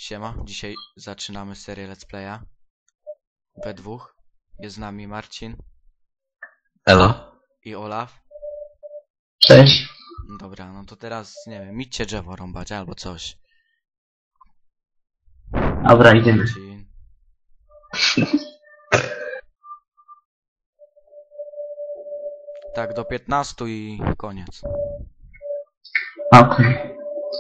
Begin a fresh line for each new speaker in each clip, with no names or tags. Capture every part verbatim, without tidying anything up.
Siema, dzisiaj zaczynamy serię Let's Playa we dwóch. Jest z nami Marcin
Elo.
i Olaf.
Cześć.
Dobra, no to teraz, nie wiem, idźcie drzewo rąbać albo coś.
Dobra, idziemy.
Marcin. Tak, do piętnastu i koniec.
Okej.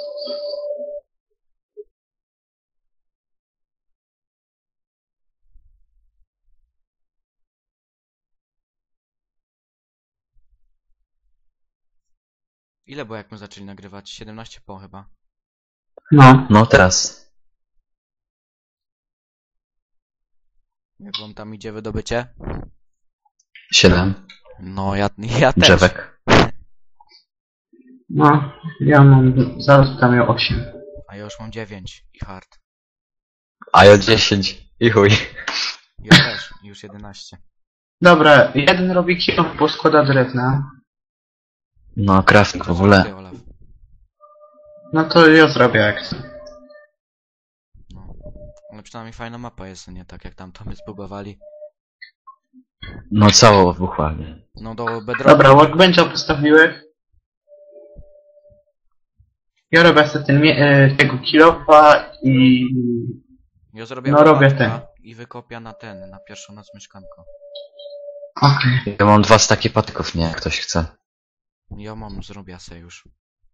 Ile było jak my zaczęli nagrywać? siedemnaście po chyba.
No.
No teraz.
Jak wam tam idzie wydobycie?
Siedem.
No ja, ja też.
Drzewek.
No, ja mam, zaraz tam miał osiem.
A ja już mam dziewięć i hard.
A ja dziesięć. I chuj.
Ja też, już jedenaście.
Dobra, jeden robi kilo, bo składa drewna.
No, crafting w ogóle.
Ty, Olaf.
No to ja zrobię jak chcę.
No. Ale przynajmniej fajna mapa jest, nie tak jak tam to my zbudowali.
No całą wybuchła.
No do bedrocka.
Dobra, workbencha postawiłeś. Ja robię sobie ten, mie- e, tego kilofa i...
Ja zrobię
No, robię
łopatka
ten.
i wykopia na ten, na pierwszą noc mieszkanko.
Okej.
Ja mam dwa staki patyków, nie? Jak ktoś chce.
Ja mam, zrobię se już.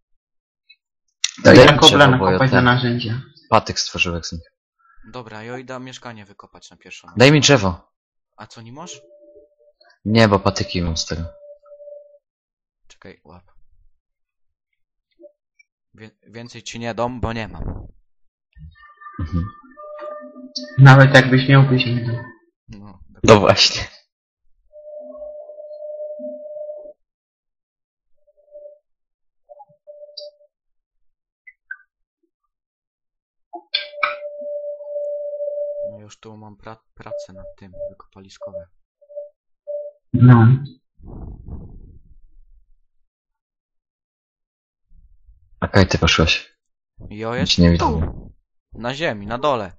To
Daj
ja
mi
kobla
drzewo, bo ja
nakopać na
ten
narzędzia.
patyk stworzyłem z nich.
Dobra, ja idę mieszkanie wykopać na pierwszą noc.
Daj mi drzewo.
A co, nie możesz?
Nie, bo patyki mam z tego.
Czekaj, łap. Wie więcej ci nie dom, bo nie mam.
Mhm.
Nawet jakbyś miał, byś nie dał.
No,
No właśnie.
no już tu mam pra pracę nad tym, wykopaliskowe.
No.
Okej, ty poszłeś.
Jo,
Nic
jest
nie
tu.
widzę.
Na ziemi, na dole.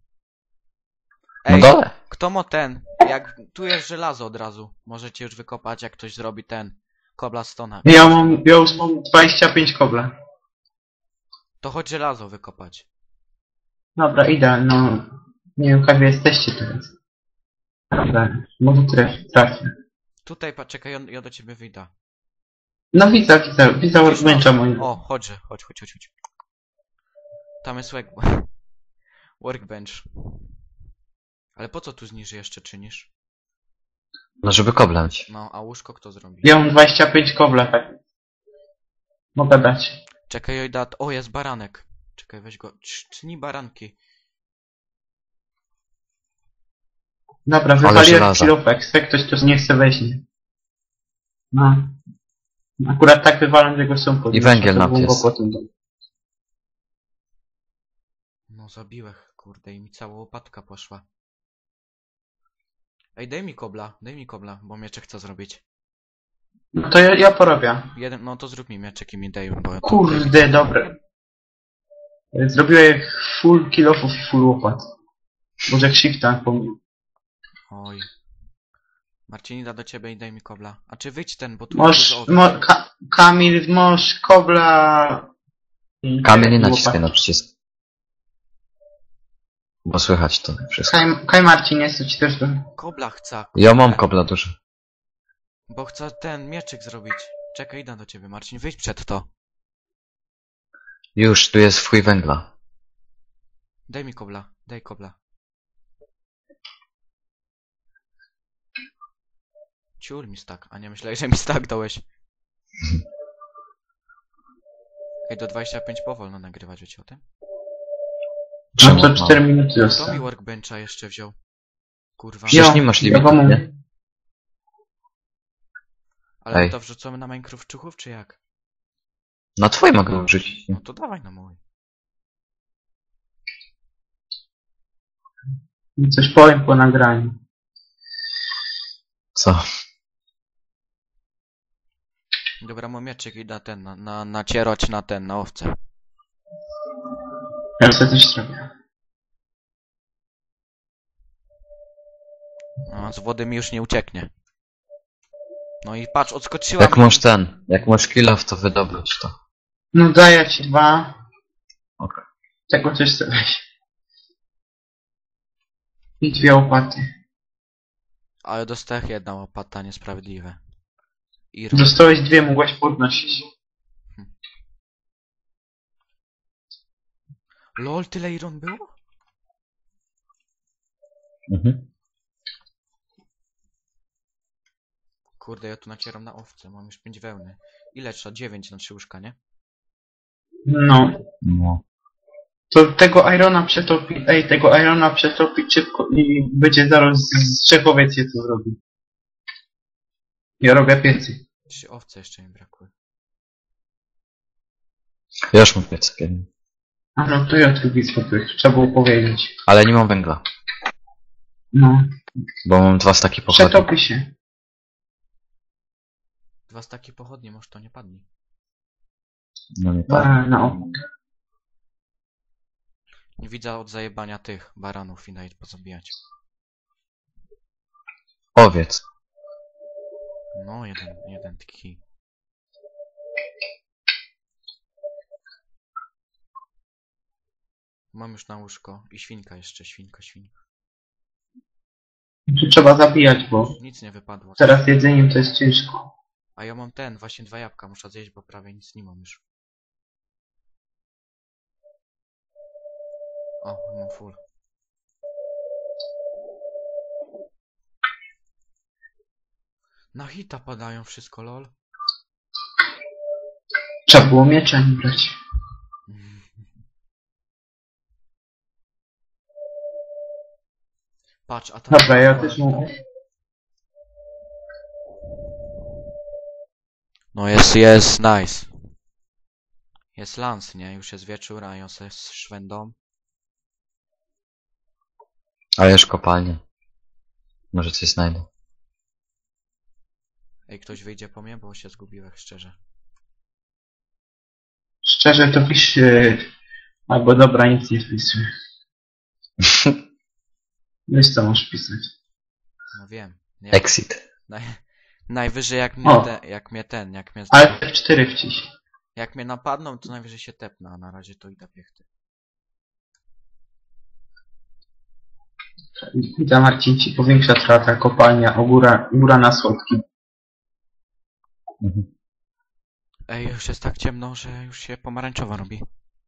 Na
Ej,
dole.
kto ma ten? Jak tu jest żelazo od razu. Możecie już wykopać, jak ktoś zrobi ten. Cobblestone.
Ja mam, ja już mam dwadzieścia pięć kobla.
To chodź żelazo wykopać.
Dobra, idę, no... Nie wiem, jak wy jesteście teraz. Dobra, może traf- trafię.
Tutaj, poczekaj, ja, ja do ciebie wyjdę.
No widzę, widzę, widzę workbencha mojego.
O, chodź, chodź, chodź, chodź, chodź. Tam jest work... workbench. Ale po co tu zniżej jeszcze czynisz?
No, żeby koblać.
No, a łóżko kto zrobi?
Ja mam dwadzieścia pięć kobla, tak. Mogę dać.
Czekaj, ojda... O, jest baranek. Czekaj, weź go. Tni baranki.
Dobra,
Ale
wywaliłem
żelaza.
kilofek, jak ktoś tu nie chce weźmie. No. Akurat tak wywalam, że go są pod
I węgiel nam jest.
No, zabiłech, kurde, i mi cała łopatka poszła. Ej, daj mi kobla, daj mi kobla, bo mieczek chcę zrobić.
No to ja, ja porobię.
Jeden, no to zrób mi mieczek i mi daj, bo... to-
Kurde, dobre. Zrobiłem full kilofów i full łopat. Może jak shifta pomylił.
Oj. Marcinida do ciebie i daj mi kobla. A czy wyjdź ten, bo tu
Możesz,
jest
mo, ka, Kamil, możesz kobla... i-
Kamień nie
i
naciskaj
łopat.
na przycisk. Bo słychać to wszystko.
Kaj, Kaj Marcin, jest ci też do...
Kobla chcę,
Ja mam kobla dużo.
bo chcę ten mieczyk zrobić. Czekaj, idę do ciebie, Marcin, wyjdź przed to.
Już, tu jest w chuj węgla.
Daj mi kobla, daj kobla. Ciul mi stak, a nie myślałeś, że mi stak dałeś. Ej, do dwudziestu pięciu powolno nagrywać, wiecie o tym?
No
Czemu?
to
No.
cztery minuty
Kto mi
zostało.
workbencha jeszcze wziął? Kurwa.
Przecież nie masz limitu,
ja wam-
nie?
Ale my
Ej.
to wrzucamy na Minecraft Czuchów, czy jak?
Na twój mogę użyć.
No to dawaj na mój.
Coś powiem po nagraniu.
Co?
Dobra, mam mieczyk i da ten, na, na, nacierać na ten, na owce.
Ja sobie coś zrobię.
No, z wody mi już nie ucieknie. No i patrz, odskoczyła
Jak
mi...
masz ten, jak masz kill to wydobyć to.
No daję ci dwa.
Okej.
Czego też chcę weź. I dwie łopaty.
Ale dostałem jedna łopata, niesprawiedliwe. I
Dostałeś dwie, mogłaś podnosić.
Lol, tyle iron było?
Mhm.
Kurde, ja tu nacieram na owce, mam już pięć wełny. Ile trzeba? dziewięć na trzy łóżka, nie?
No.
No.
To tego Irona przetopi, ej, tego Irona przetopić szybko i będzie zaraz z trzech owiec je to zrobi. Ja robię piecy.
Trzy owce jeszcze mi brakły.
Ja już mam piec jeden.
A no to ja tu widz popych, trzeba było powiedzieć.
Ale nie mam węgla.
No.
Bo mam dwa staki pochodni.
Przetopi się.
Dwa staki pochodnie, może to nie padnie.
No nie tak.
A, no.
Nie widzę od zajebania tych baranów i nawet pozabijać.
Owiec.
No, jeden, jeden taki. Mam już na łóżko. I świnka jeszcze, świnka, świnka.
Tu trzeba zabijać, bo
Nic nie wypadło.
teraz jedzeniem to jest ciężko.
A ja mam ten, właśnie dwa jabłka muszę zjeść, bo prawie nic nie mam już. O, mam full. Na hita padają wszystko, lol.
Trzeba było miecza nie brać.
Patrz, a tam...
Dobra, ja też mam.
No jest, jest, nice. Jest lance, nie? Już jest wieczór, a ją se szwędą.
Ale już kopalnie. Może coś znajdę.
Ej, ktoś wyjdzie po mnie, bo się zgubiłem, szczerze.
Szczerze to pisz... Yy, albo dobra, nic nie wpisuję. Wiesz co masz pisać.
No wiem. Nie,
Exit.
naj, najwyżej jak mnie,
O.
te, jak mnie ten, jak mnie,
Ale F cztery wciś.
jak mnie napadną, to najwyżej się tepnę, a na razie to idę piechty.
Witam Marcin ci powiększa trata kopalnia, o góra, góra na słodki.
Mhm.
Ej, już jest tak ciemno, że już się pomarańczowa robi.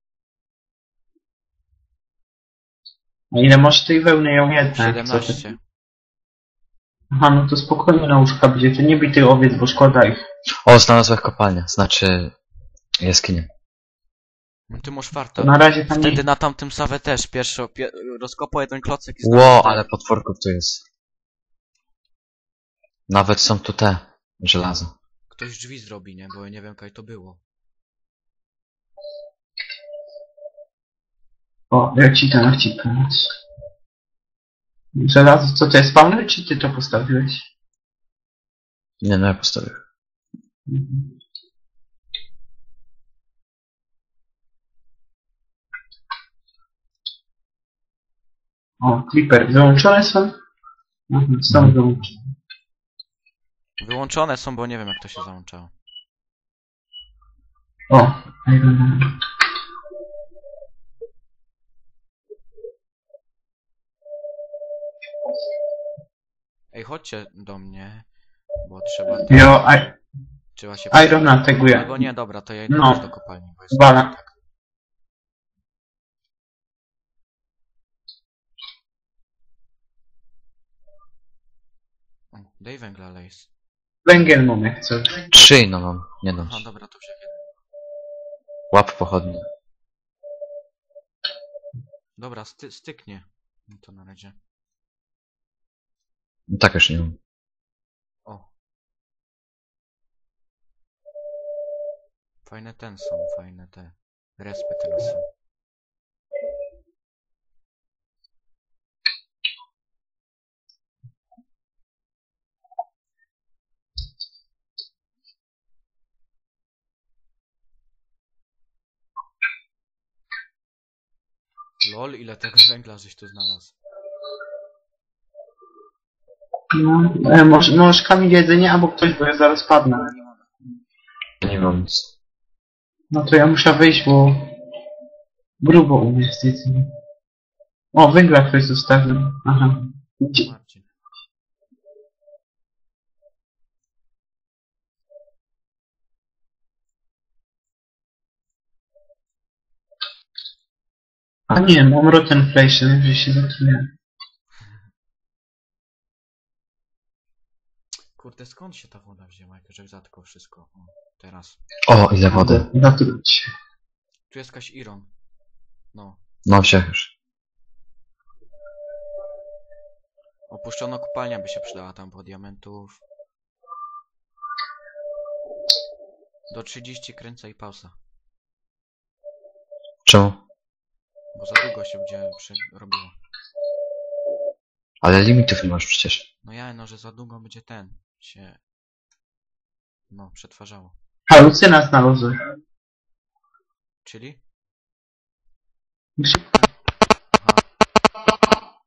A ile masz tej wełny ją jednak? Co ty?
siedemnaście.
Aha, no to spokojnie na łóżka będzie, to nie bij tych owiec, bo szkoda ich.
O, znalazłem kopalnię. Znaczy... jaskinię.
No ty masz
To
farta.
na razie tam
Wtedy
nie...
na tamtym sawę też pierwszy pie rozkopał jeden klocek i
Ło,
znalazł ten.
ale potworków tu jest. Nawet są tu te. Żelazo.
Ktoś drzwi zrobi, nie? Bo ja nie wiem, kaj to było.
O, ja ci tam ci pomóc. Żelazo, co to jest spawner, czy ty to postawiłeś?
Nie, no ja postawię.
Mhm. O, Clipper, wyłączone są? Mhm, są
Mhm.
wyłączone.
Wyłączone są, bo nie wiem, jak to się załączało.
O, Iron Man.
Ej, chodźcie do mnie, bo trzeba...
Jo, I,
Trzeba się...
Iron Man teguje.
Albo nie, dobra, to ja idę
No.
już do kopalni, bo jest...
Bala.
Tak. O, daj węgla, Lejs.
Węgiel mam jak coś.
Trzy no mam. Nie dam
Aha,
ci.
dobra, to wziął jeden.
Łap pochodnie.
Dobra, sty styknie. No to na razie.
No tak już nie mam.
O. Fajne ten są, fajne te. Respy teraz są. Lol, ile tego węgla żeś tu znalazł.
No, e, może, możesz Kamil jedzenie albo ktoś, bo ja zaraz padnę.
Nie mam nic.
No to ja muszę wyjść, bo grubo u mnie z jedzeniem. O, węgla ktoś zostawił. Aha. Gdzie-
Marcin.
A nie, mam rotten flesh, że się zatrudniłem.
Kurde, skąd się ta woda wzięła, jak już zatkał wszystko? O, teraz.
O, ile wody.
Zatruć się.
Tu jest jakaś Iron. No.
No wsiach już.
Opuszczona kopalnia by się przydała tam, bo diamentów. Do trzydziestu kręcę i pauza.
Czemu?
Bo za długo się będzie robiło.
Ale limitów nie masz przecież.
No ja, no, że za długo będzie ten się... No, przetwarzało.
Halucyna znalazłem.
Czyli?
Gdzie-
Aha.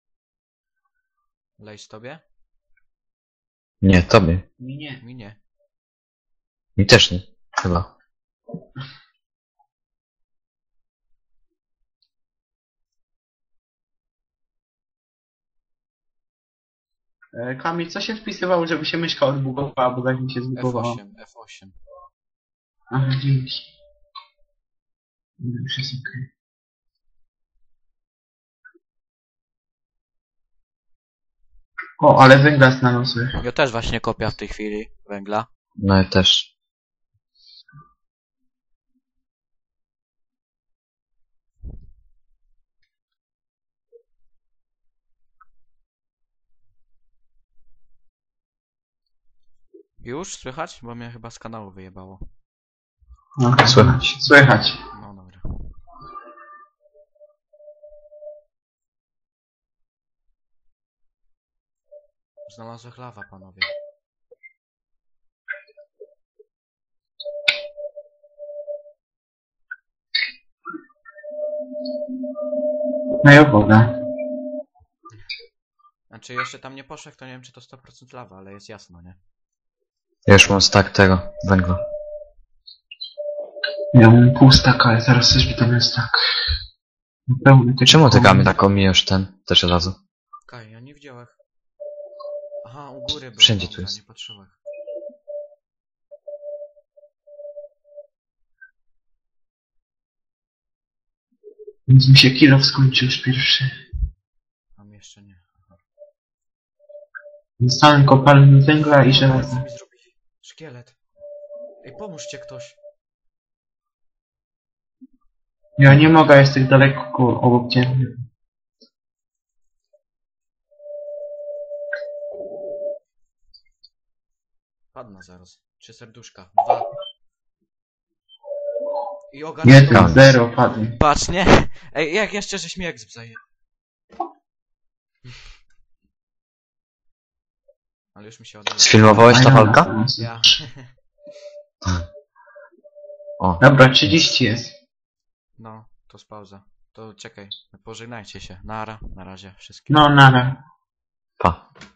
Lejś tobie?
Nie, tobie.
Mi nie.
Mi nie.
Mi też nie. Chyba.
E, Kamil, co się wpisywało, żeby się myszka odbugowała, bo tak mi się
F
zbugowała.
osiem, F osiem.
Aha, dzięki. Już jest okej. O, ale węgla znalazłem.
Ja też właśnie kopię w tej chwili węgla.
No ja też.
Już słychać? Bo mnie chyba z kanału wyjebało.
No,
Słychać.
Słychać.
No dobra. Znalazłem lawa, panowie.
No i woda.
Znaczy jeszcze tam nie poszedł, to nie wiem czy to sto procent lawa, ale jest jasno, nie?
Ja już mam stack tego węgla.
Ja mam pół staka, ale zaraz coś mi tam jest tak. Pełny tego
Czemu ty
koła.
Kamil tak omijasz ten też od razu?
Kaj, ja nie widziałem. Aha, u góry był.
Wszędzie tu
dobra,
jest.
nie patrzyłem.
Więc mi się kilo skończył już pierwszy.
Mam jeszcze nie. Aha.
Dostałem kopalnię węgla i
O,
żelaza.
co mi zrobili? Szkielet. Ej, pomóżcie ktoś.
Ja nie mogę, jest tak daleko koło- obok ciebie.
Padna zaraz. Trzy serduszka. Dwa. I ogarnę
Jeden,
Kamil.
zero, padł.
Patrz, nie? Ej, jak jeszcze żeś mi egzp zaje. Ale już mi się ładuje.
Sfilmowałeś ta walka?
Ja.
O,
Dobra, trzydzieści jest.
No, to spauza. To czekaj, pożegnajcie się. Nara, na razie wszystkim.
No, nara.
pa.